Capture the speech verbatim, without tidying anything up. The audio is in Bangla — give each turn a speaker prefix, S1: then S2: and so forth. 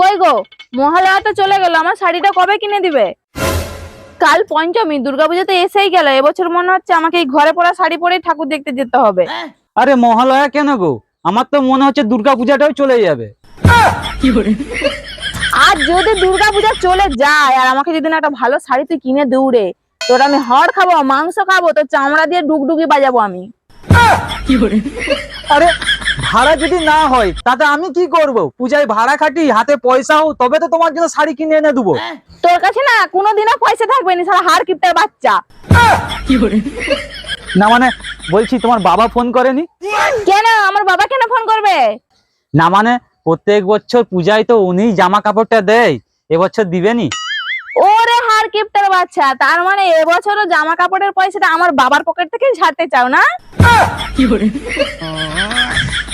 S1: কই গো, মহালয়া তো চলে গেল, আমার শাড়িটা কবে কিনে দিবে? কাল পঞ্চমী, দুর্গাপূজা তো এসেই গেল, এবছর মনে হচ্ছে আমাকে এই ঘরে পরা শাড়ি পরেই ঠাকুর দেখতে যেতে হবে।
S2: আরে মহালয়া কেন গো, আমার তো মনে হচ্ছে দুর্গা পূজাটাও চলে যাবে।
S1: আর যদি দুর্গাপূজা চলে যায় আর আমাকে যদি না একটা ভালো শাড়ি তুই কিনে দৌড়ে, তোর আমি হড় খাবো, মাংস খাবো, তোর চামড়া দিয়ে ডুগডুগি বাজাবো আমি।
S2: আরে ভাড়া যদি না হয় তাতে আমি কি করব? পূজায় ভাড়া খাটি, হাতে পয়সা হোক তবে তো তোমার জন্য শাড়ি কিনে এনে দেবো।
S1: তোর কাছে না কোনোদিনও পয়সা থাকবে না, সারা হাড় কিপ্টার বাচ্চা।
S2: না মানে বলছি তোমার বাবা ফোন করেনি?
S1: কেন আমার বাবা কেন ফোন করবে?
S2: না মানে প্রত্যেক বছর পূজায় তো উনি জামা কাপড়টা দেয়, এবছর দিবেনি?
S1: ওরে হাড় কিপ্টার বাচ্চা, তার মানে এবছরও জামা কাপড়ের পয়সাটা আমার বাবার পকেট থেকে ঝাড়তে চাও না?